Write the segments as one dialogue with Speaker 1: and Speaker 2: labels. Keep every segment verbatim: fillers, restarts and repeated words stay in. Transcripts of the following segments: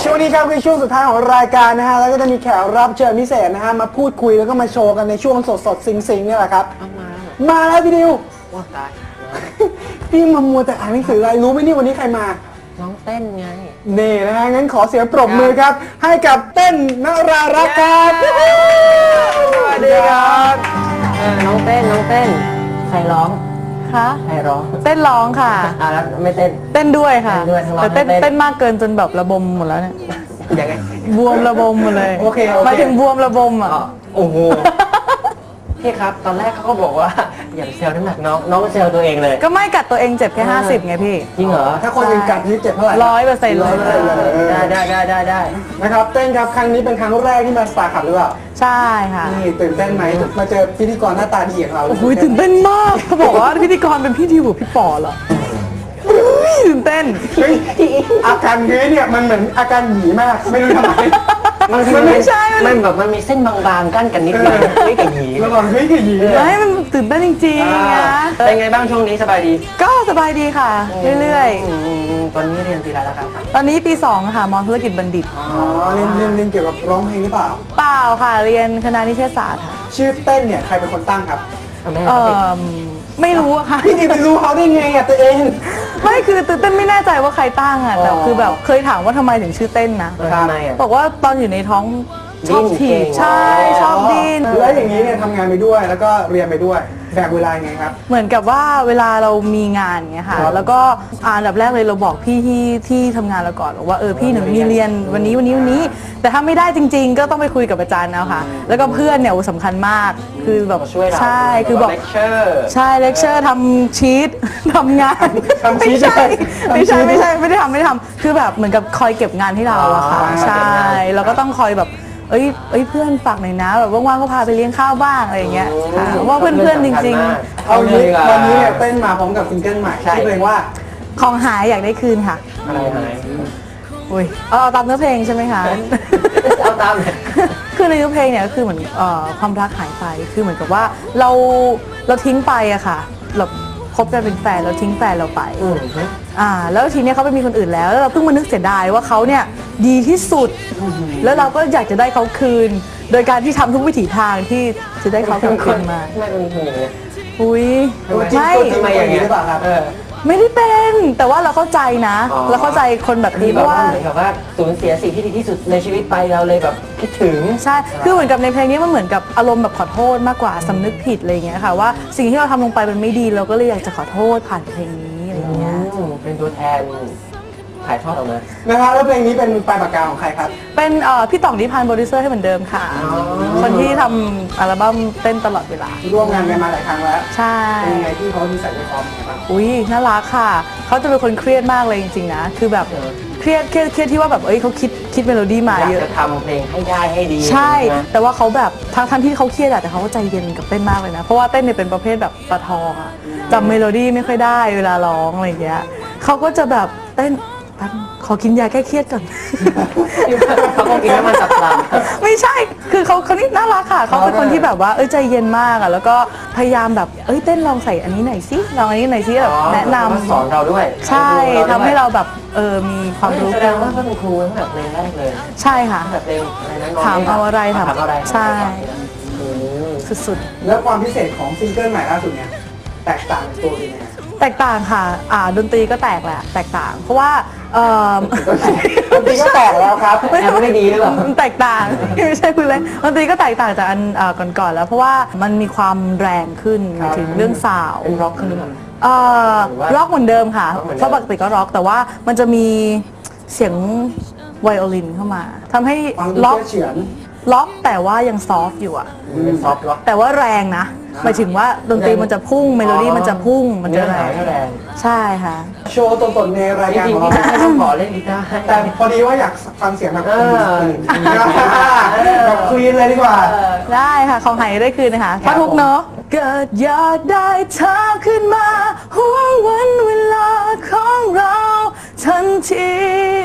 Speaker 1: ช่วงนี้ครับคือช่วงสุดท้ายของรายการนะฮะแล้วก็จะมีแขกรับเชิญพิเศษนะฮะมาพูดคุยแล้วก็มาโชว์กันในช่วงสดสดซิงซิงนี่แหละครับมามาแล้วพี่ดิวว้าตายพี่มามัวแต่อ่านหนังสืออะไรรู้ไหมนี่วันนี้ใครมา
Speaker 2: น้องเต้นไง
Speaker 1: นี่นะฮะงั้นขอเสียงปรบมือครับให้กับเต้นนรารักษ์ครับ
Speaker 2: สวัสดีครับน้องเต้นน้องเต้นใครร้อง
Speaker 3: คะ
Speaker 2: ใครร้อง
Speaker 3: เต้นร้องค่ะ
Speaker 2: อ่าแล้วไม่เต้น
Speaker 3: เต้นด้วยค่ะแต่เต้นเต้นมากเกินจนแบบระบมหมดแล้วเนี่ย
Speaker 2: ยังไง
Speaker 3: บวมระบมหมดเลย
Speaker 1: โอเค
Speaker 3: หมายถึงบวมระบมอ่ะ
Speaker 2: โอ้โหพี่ครับตอนแรกเขาก็บอกว่าอย่าเซลน้ำหนักน้องน้องเซลตัวเองเลย
Speaker 3: ก็ไม่กัดตัวเองเจ็บแค่ห้าสิบไงพี่
Speaker 2: จริงเหรอ
Speaker 1: ถ้าคนอื่นกัดนี่เจ็บเท่าไหร่
Speaker 3: ร้อยเปอร์เซ็นต์เลย
Speaker 2: ได้ได้ได้ได้ได้
Speaker 1: นะครับเต้นครับครั้งนี้เป็นครั้งแรกที่มาสตาร์ขับหรือเปล่า
Speaker 3: ใช่ค่ะ
Speaker 1: นี่ตื่นเต้นไหมมาเจอพิธีกรหน้าตาดีของเรา
Speaker 3: โอ้ยตื่นเต้นมากเขาบอกว่าพิธีกรเป็นพี่ดิวกับพี่ปอเหรอตื่นเต้น
Speaker 1: อาการนี้เนี่ยมันเหมือนอาการหยีมากไม่รู้ทำไม
Speaker 2: มันไม่ใช่มันแบบมันมีเส้นบางๆกั้นกันนิดนึงเฮ้ยกับหยี
Speaker 1: ระหว่างเฮ้ยกับหยี
Speaker 3: ให้มันตื่นเต้นจริงๆนะ
Speaker 2: เป็นไงบ้างช่วงนี้สบายดี
Speaker 3: ก็สบายดีค่ะเรื่อย
Speaker 2: ๆตอนนี้เรียนปีอะไรแล้วครับ
Speaker 3: ตอนนี้ปีสองค่ะมอธุรกิจบัณฑิต
Speaker 1: อ๋อเรียนเรียนเรียนเกี่ยวกับร้องเพลงหรือเปล่า
Speaker 3: เปล่าค่ะเรียนคณะนิเทศศาสตร์ค่ะ
Speaker 1: ชื่อเต้นเนี่ยใครเป็นคนตั้งครับ
Speaker 3: เออไม่รู้อะค่ะ
Speaker 1: พี่ดิไปรู้เขาได้ไงอะตัวเอง
Speaker 3: ไม่คือตื่นเต้นไม่แน่ใจว่าใครตั้งอะแต่คือแบบเคยถามว่าทำไมถึงชื่อเต้นนะบอกว่าตอนอยู่ในท้องชอบถีบใช่ชอบดิ้น
Speaker 1: แล้วอย่างนี้เนี่ยทำงานไปด้วยแล้วก็เรียนไปด้วยแบ่งเวลาไงครับ
Speaker 3: เหมือนกับว่าเวลาเรามีงานเงี้ยค่ะแล้วก็อ่านดับแรกเลยเราบอกพี่ที่ที่ทำงานเราก่อนว่าเออพี่หนูมีเรียนวันนี้วันนี้วันนี้แต่ถ้าไม่ได้จริงๆก็ต้องไปคุยกับอาจารย์แล้วค่ะแล้วก็เพื่อนเนี่ยสำคัญมากคือแบบใช่คือบอกใช่เลคเชอร์ทำชีตทำงานไม่ใช่ไม่ใช่ไม่ใช่ไม่ได้ทำไม่ได้ทำคือแบบเหมือนกับคอยเก็บงานให้เราอะค่ะใช่เราก็ต้องคอยแบบเอ้ยเอ้ยเพื่อนฝากหน่อยนะแบบว่างๆก็พาไปเลี้ยงข้าวบ้างอะไรอย่างเงี้ยค่ะว่าเพื่อนๆจริง
Speaker 1: ๆเอางี้วันนี้เนี่ยเต้นมาพร้อมกับซิงเกิลใหม่ที่เพลงว่า
Speaker 3: ของหายอยากได้คืนค่ะ
Speaker 2: อะไรหาย
Speaker 3: อุ้ยเอาตามเนื้อเพลงใช่ไหมคะ
Speaker 2: เอาตาม
Speaker 3: คือในเนื้อเพลงเนี่ยก็คือเหมือนความรักหายไปคือเหมือนกับว่าเราเราทิ้งไปอะค่ะเราคบกันเป็นแฟนเราทิ้งแฟนเราไปอ่าแล้วทีนี้เขาไปมีคนอื่นแล้วแล้วเราเพิ่งมานึกเสียดายว่าเขาเนี่ยดีที่สุดแล้วเราก็อยากจะได้เขาคืนโดยการที่ทำทุกวิถีทางที่จะได้เขาคืนมา
Speaker 2: ไม่เป็นอย่างนี้
Speaker 3: อุ้ย
Speaker 1: ไม่ทำไมอย่างนี้หรือเปล่าครับ
Speaker 3: ไม่ได้เป็นแต่ว่าเราเข้าใจนะเราเข้าใจคนแบบนี้เพราะว่า
Speaker 2: เหมือนกับว่าสูญเสียสิ่งที่ดีที่สุดในชีวิตไปเราเลยแบบคิดถึง
Speaker 3: ใช่คือเหมือนกับในเพลงนี้มันเหมือนกับอารมณ์แบบขอโทษมากกว่าสำนึกผิดอะไรอย่างเงี้ยค่ะว่าสิ่งที่เราทำลงไปมันไม่ดีเราก็เลยอยากจะขอโทษผ่านเพลงนี้อะไรอย่างเงี้ย
Speaker 2: เป็นตัวแทนถ่ายทอดออกมา
Speaker 1: นะครับแล้วเพลงนี้เป็นปลายปากกาของใครครับ
Speaker 3: เป็นพี่ต่องนิพานธ์โปรดิวเซอร์ให้เหมือนเดิมค่ะคนที่ทำอัลบั้มเต้นตลอดเวลา
Speaker 1: ร่วมงานกันมาหลายครั้งแล้ว
Speaker 3: ใช่
Speaker 1: เป็นไงที่เขามีใส่ใจความ
Speaker 3: อุ้ยน่ารักค่ะเขาจะเป็นคนเครียดมากเลยจริงๆนะคือแบบเครียดเครียดเครียดที่ว่าแบบเอ้ยเขาคิดคิดเมโลดี้มาเยอะ
Speaker 2: อยากจะทำเพลงให้ได้ให้ดี
Speaker 3: ใช่แต่ว่าเขาแบบทั้งทั้งที่เขาเครียดแต่เขาก็ใจเย็นกับเต้นมากเลยนะเพราะว่าเต้นเนี่ยเป็นประเภทแบบปลาทองอะจำเมโลดี้ไม่ค่อยได้เวลาร้องอะไรอย่างเงี้ยเขาก็จะแบบเต้นขอกินยาแก้เครียดก่อน
Speaker 2: เขาคงกินน้ำมันสับปะรด
Speaker 3: ไม่ใช่คือเขาเขานี่น่ารักค่ะเขาเป็นคนที่แบบว่าเอ้ยใจเย็นมากอ่ะแล้วก็พยายามแบบเอ้ยเต้นลองใส่อันนี้หน่อยสิลองอันนี้หน่อยสิแบบแนะนำ
Speaker 2: สอนเราด้วย
Speaker 3: ใช่ทำให้เราแบบเออมีความรู้
Speaker 2: แสดงว่าเขาเป็นครูตั้งแต่เพลงแรกเลย
Speaker 3: ใช่ค่ะ
Speaker 2: แบบเพลง
Speaker 3: ถามเอาอะไรถาม
Speaker 2: อะไร
Speaker 3: ใช่สุด
Speaker 1: ๆแล้วความพิเศษของซิงเกิลใหม่ล่าสุดเนี่ยแตกต่างตัวเอง
Speaker 3: แตกต่างค่ะอ่าดนตรีก็แตกแหละแตกต่างเพราะว่าเอ่อ
Speaker 1: ดนตรีก็แตกแล้วครับ
Speaker 2: ไม่ไม่ดีหรือเปล่า
Speaker 3: แตกต่างไม่ใช่คุณเลยดนตรีก็แตกต่างจากอันก่อนๆแล้วเพราะว่ามันมีความแรงขึ้นถึงเรื่องซาวด์
Speaker 2: เป็นร็อกขึ้นหรือเปล่า
Speaker 3: เอ่อร็อกเหมือนเดิมค่ะเพราะปกติก็ร็อกแต่ว่ามันจะมีเสียงไวโอลินเข้ามาทำให้ล็อกล็อกแต่ว่ายังซอฟต์อยู่อ่ะ
Speaker 2: ซอฟต์ล็อก
Speaker 3: แต่ว่าแรงนะหมายถึงว่าดนตรีมันจะพุ่งเมโลดี้มันจะพุ่งมันจะแรงใช่ค่ะ
Speaker 1: โชว์ตนๆในรายการของเรา
Speaker 2: ต้องขอเล่นกีตาร์
Speaker 1: แต่พอดีว่าอยากฟังเสียงแบบแบบคลีนเลยดีกว่า
Speaker 3: ได้ค่ะของหายได้คืนนะคะท่อนฮุกเนาะเกิดอยากได้เธอขึ้นมาห่วงวันเวลาของเราทันที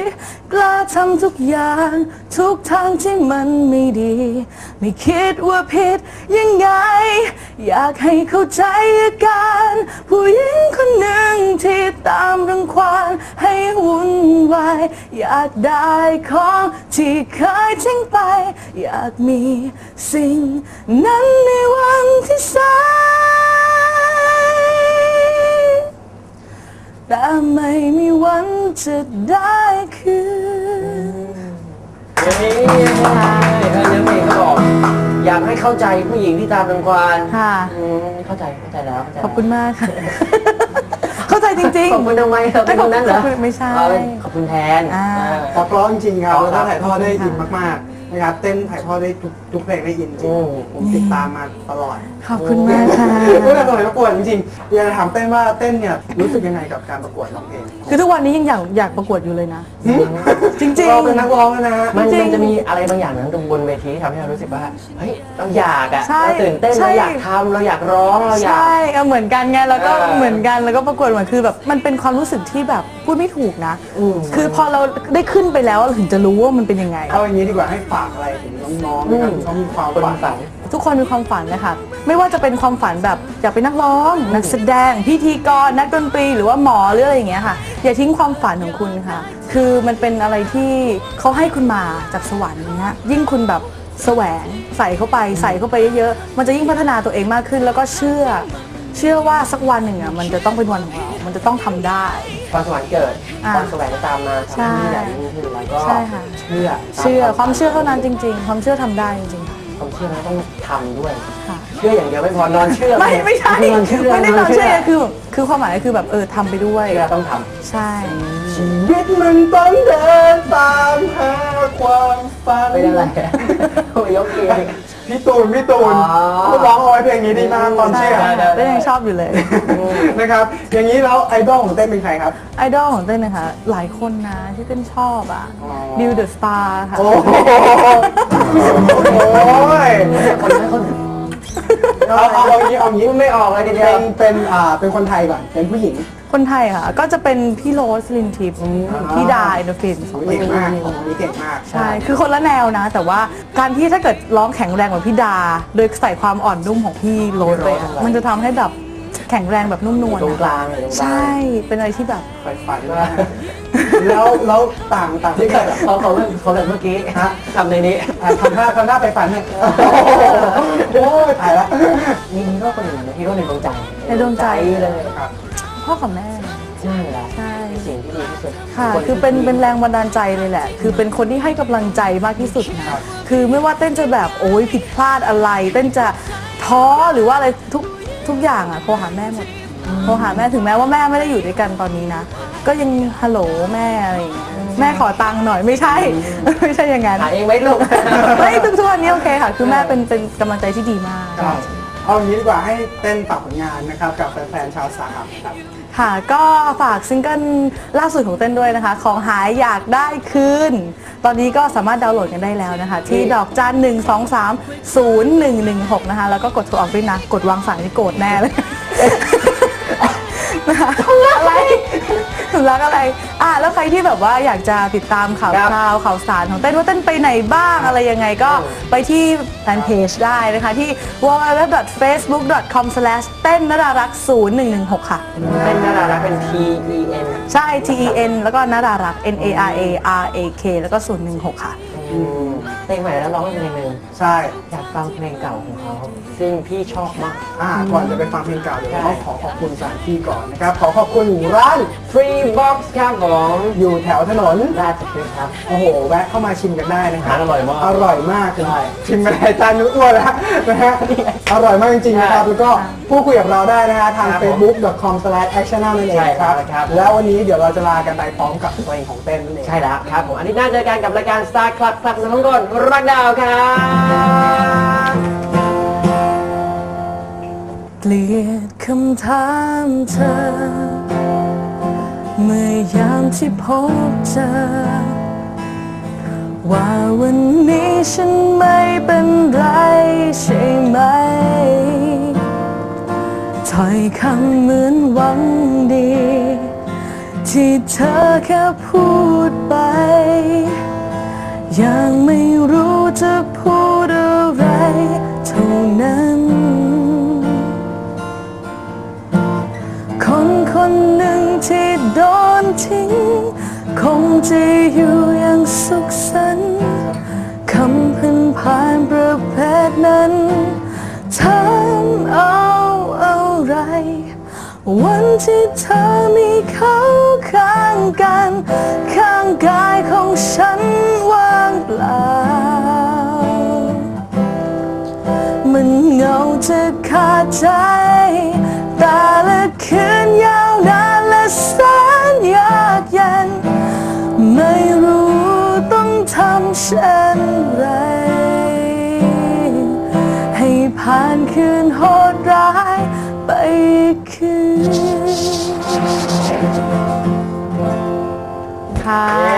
Speaker 3: กล้าทำทุกอย่างทุกทางที่มันไม่ดี ไม่คิดว่าผิดยังไง อยากให้เข้าใจอาการผู้หญิงคนหนึ่งที่ตามรังควานให้วุ่นวายอยากได้ของที่เคยทิ้งไป อยากมีสิ่งนั้นในวันที่สายแต่ไม่มีวันจะได้คืน
Speaker 2: นี่เออเนื้อเพลงก็บอกอยากให้เข้าใจผู้หญิงที่ตามรังควาน
Speaker 3: ค่ะ
Speaker 2: อืมเข้าใจเข้าใจแล้วเข้าใจ
Speaker 3: ขอบคุณมากค่ะ เข้าใจจริงๆ
Speaker 2: ขอบคุณทำไมเราเป็นคนนั้นเหรอ
Speaker 3: ขอบคุณไม่ใช่
Speaker 2: เอาเป็นขอบคุณแทน
Speaker 3: อ่า
Speaker 2: เออ
Speaker 1: พอเพราะจริงๆครับ
Speaker 2: ขอบคุณ
Speaker 1: แล้ว
Speaker 2: ครับ
Speaker 1: ก็ถ่ายทอดได้อินมากๆนะครับเต้นถ่ายทอดได้ทุกทุกเพลงได้อินจริง
Speaker 2: อืม
Speaker 1: ผมติดตามมาตลอด
Speaker 3: ขอบคุณมากค่ะ
Speaker 1: ตั้งแต่สมัยประกวดจริงๆอยากจะถามเต้นว่าเต้นเนี่ยรู้สึกยังไงกับการประกวดร้องเพลง
Speaker 3: คือทุกวันนี้ยังอยากอยากประกวดอยู่เลยนะ จริง
Speaker 1: เราเป็นนักร้องแล้วนะฮะ
Speaker 2: มัน
Speaker 3: จริง
Speaker 2: มันจะมีอะไรบางอย่างนั้นตรงบนเวทีที่ทำให้เรารู้สึกว่าเฮ้ยเราอยากอะ
Speaker 3: ใช่
Speaker 2: เราตื่นเต้น
Speaker 3: ใช่
Speaker 2: เราอยากทำเราอยากร้องเรา
Speaker 3: ๆ
Speaker 2: อยาก
Speaker 3: ใช่เอาเหมือนกันไงแล้วก็
Speaker 2: เออ
Speaker 3: เหมือนกันแล้วก็ประกวดเหมือนคือแบบมันเป็นความรู้สึกที่แบบพูดไม่ถูกนะ
Speaker 2: อืม
Speaker 3: คือพอเราได้ขึ้นไปแล้วเราถึงจะรู้ว่ามันเป็นยังไง
Speaker 1: เอาอย่างนี้ดีกว่าให้ฝากอะไรถึงน้องๆนะครับที่เขามีความ
Speaker 2: คน
Speaker 1: ฝัน
Speaker 2: ฝัน
Speaker 3: ทุกคนมีความฝันนะคะไม่ว่าจะเป็นความฝันแบบอยากเป็นนักร้อง นักแสดง พิธีกร นักดนตรี หรือว่าหมอหรืออะไรอย่างเงี้ยค่ะ อย่าทิ้งความฝันของคุณค่ะ คือมันเป็นอะไรที่เขาให้คุณมาจากสวรรค์เนี้ยยิ่งคุณแบบแสวงใส่เข้าไปใส่เข้าไปเยอะๆมันจะยิ่งพัฒนาตัวเองมากขึ้น แล้วก็เชื่อ เชื่อว่าสักวันหนึ่งอ่ะมันจะต้องเป็นวันของเรา มันจะต้องทำได้
Speaker 2: ความสวรรค์เกิด
Speaker 3: อ่า
Speaker 2: ความแสวงตามมา
Speaker 3: ใช่
Speaker 2: ทำให้ใหญ่ยิ่งขึ้นแล้วก็
Speaker 3: ใช่ค่ะ
Speaker 2: เชื่อ
Speaker 3: เชื่อความเชื่อเท่านั้นจริง ๆ ความเชื่อทำได้จริงๆค่ะ
Speaker 2: ความเชื่อแล้วต้องทำด้วย
Speaker 3: ค่ะ
Speaker 2: เชื่ออย่างเดียวไม่พอนอนเชื่อ
Speaker 3: ไม่ไม่ใช่
Speaker 2: นอนเชื่อ
Speaker 3: ไม่ได้นอนเชื่อ
Speaker 2: เชื่อ
Speaker 3: คือคือความหมายคือแบบเออทำไปด้วย
Speaker 2: เชื่อต้องท
Speaker 3: ใช่
Speaker 1: ชีวิตมันต้องเดินตามหาความฝัน
Speaker 2: ำเป็นอะไรโอ้ยยกเอง
Speaker 1: พี่ตูนพี่ตูน
Speaker 2: อ๋อ
Speaker 1: เขาร้องเอาไว้เพลงนี้ดีมากความ
Speaker 3: ใช่
Speaker 1: เชื่อ
Speaker 3: ค่ะ
Speaker 2: ได้
Speaker 3: เต้นยังชอบอยู่เลย
Speaker 1: นะครับ อย่างนี้แล้วไอดอลของเต้นเป็นใครครับ
Speaker 3: ไอดอลของเต้นนะคะ หลายคนนะที่เต้นชอบอ่ะ
Speaker 1: อ๋อ
Speaker 3: ดิวเดอะสตาร์ค่ะ
Speaker 1: โอ้โหโอ้ย
Speaker 2: คนนั้นคน
Speaker 1: เอาเอาเอาอย่างนี้เอาอย่างนี้
Speaker 2: ไม่ออกเลยทีเดี
Speaker 1: เป็
Speaker 2: ยวน
Speaker 1: เป็นอ่าเป็นคนไทยก่อนเป็นผู้หญิง
Speaker 3: คนไทยค่ะ ก็จะเป็นพี่โรสลินทิพย์พี่ดาอินโดฟินสองคน
Speaker 1: เก่งมากคนนี้เก่งมาก
Speaker 3: ใช่ คือคนละแนวนะ แต่ว่าการที่ถ้าเกิดร้องแข็งแรงเหมือนพี่ดา โดยใส่ความอ่อนนุ่มของพี่โรสไปอะมันจะทำให้แบบแข็งแรงแบบนุ่มนวล
Speaker 2: ตรงก
Speaker 3: อะ
Speaker 2: ลางเลยตรงกลาง
Speaker 3: ใช่ เป็นอะไรที่แบบ
Speaker 1: ไฟฝันมากแล้วแล้วต่างต่าง
Speaker 2: ที่
Speaker 1: ที่
Speaker 2: เกิ
Speaker 1: เกิ
Speaker 2: ด
Speaker 1: ด
Speaker 2: เขาเขาเรื่องเขาเรื่องเมื่อกี้
Speaker 1: ฮะ
Speaker 2: ทำในนี้
Speaker 1: อ่ะทำหน้าทำหน้าไฟฝันเนี่ยโอ้ยตายละ
Speaker 2: มีฮีโร่คนหนึ่งนะฮีโร่ในดวงใจ
Speaker 3: ในดวงใจ
Speaker 2: เลย
Speaker 1: ครับ
Speaker 3: พ่อกับแม่
Speaker 2: ใช่แล้ว
Speaker 3: ใช่
Speaker 2: สิ่งที่ดีที่สุด
Speaker 3: ค่ะ
Speaker 2: น
Speaker 3: คือเป็น
Speaker 2: ที่
Speaker 3: เป็นแรงบันดาลใจเลยแหละ คือเป็นคนที่ให้กำลังใจมากที่สุดนะ คือไม่ว่าเต้นจะแบบโอ้ยผิดพลาดอะไร เต้นจะท้อหรือว่าอะไรทุกทุกอย่างอ่ะโทรหาแม่หมด โทรหาแม่ถึงแม้ว่าแม่ไม่ได้อยู่ด้วยกันตอนนี้นะ ก็ยังฮัลโหลแม่อะไรอย่างเงี้ย แม่ขอตังค์หน่อยไม่ใช่ ไม่ใช่อย่างนั้น
Speaker 2: หาเองไหมลูก
Speaker 3: ไม่ทุกทุกวันนี้โอเคค่ะ คือแม่เป็นเป็นกำลังใจที่ดีมาก
Speaker 1: ครับเอาอย่างนี้ดีกว่าให้เต้นฝากผลงานนะครับกับแฟนๆชาวสาครับครับ
Speaker 3: ค่ะ ก็ฝากซิงเกิลล่าสุดของเต้นด้วยนะคะ ของหายอยากได้คืน ตอนนี้ก็สามารถดาวน์โหลดกันได้แล้วนะคะ ที่ดอกจันหนึ่งสองสามศูนย์หนึ่งหนึ่งหกนะคะ แล้วก็กดโทรออกด้วยนะ กดวางสายนี่โกรธแน่เลย นะคะอะไรถึงรักอะไร อ่ะแล้วใครที่แบบว่าอยากจะติดตามข่าว
Speaker 2: ครับ
Speaker 3: คราวข่าวสารของเต้นว่าเต้นไปไหนบ้างอะไรยังไงก็ไปที่แฟนเพจได้นะคะที่ ดับเบิลยู ดับเบิลยู ดับเบิลยู ดอท เฟซบุ๊ก ดอท คอม สแลช เต้นนรารักษ์ศูนย์หนึ่งหนึ่งหกค่ะ
Speaker 2: เป็นนารารักเป็น T E N
Speaker 3: ใช่ T E N แล้วก็นารารักษ์ N A R A R A K แล้วก็ศูนย์หนึ่งหกค่ะ
Speaker 2: อืมเพลงใหม่แล้วร้องเพลงหนึ่ง
Speaker 1: ใช่
Speaker 2: อยากฟังเพลงเก่าของเขาซึ่งพี่ชอบมาก
Speaker 1: อ่าก่อนจะไปฟังเพลงเก่าเดี๋ยว
Speaker 2: ใช่
Speaker 1: ต้องขอขอบคุณสถานที่ก่อนนะครับ ขอขอบคุณร้าน
Speaker 2: Free Box ครับผม
Speaker 1: อยู่แถวถนน
Speaker 2: ราชพฤกษ์ครับ
Speaker 1: โอ้โห แวะเข้ามาชิมกันได้นะครับ
Speaker 2: อาหารอร่อยมาก
Speaker 1: อร่อยมากเลย
Speaker 2: ใช่
Speaker 1: ชิมไปหลายจานนึกอ้วนแล้วนะฮะ อร่อยมากจริงๆนะครับ
Speaker 2: ใช่
Speaker 1: แล้วก็พูดคุยกับเราได้นะฮะทาง
Speaker 2: ครับ
Speaker 1: เฟซบุ๊ก ดอท คอม สแลช แอคชั่น นั่นเอง
Speaker 2: ใช่
Speaker 1: ครับ
Speaker 2: ครับ
Speaker 1: แล้ววันนี้เดี๋ยวเราจะลากันไปพร้อมกับเพลงของเต้นนั่นเอง
Speaker 2: ใช่แล้วครับผมอันนี้น่าเจอกันกับรายการ Star Club ครับสำหรับทุกคนรักดาวครับ
Speaker 3: เกลียดคำถามเธอ เมื่อยามที่พบเจอ ว่าวันนี้ฉันไม่เป็นไรใช่ไหม ถ้อยคำเหมือนหวังดีที่เธอแค่พูดไปยังไม่รู้จะพูดอะไรเท่านั้นคนคนหนึ่งที่โดนทิ้งคงจะอยู่อย่างสุขสันต์คำพันผ่านประเภทนั้นทำเอาอะไรวันที่เธอมีเขาข้างกันข้างกายของฉันว่างเปล่ามันเหงาจะขาดใจแต่ละคืนยาวนานและแสนยากเย็นไม่รู้ต้องทำเช่นไรให้ผ่านคืนโหดร้ายไปคืนค่ะ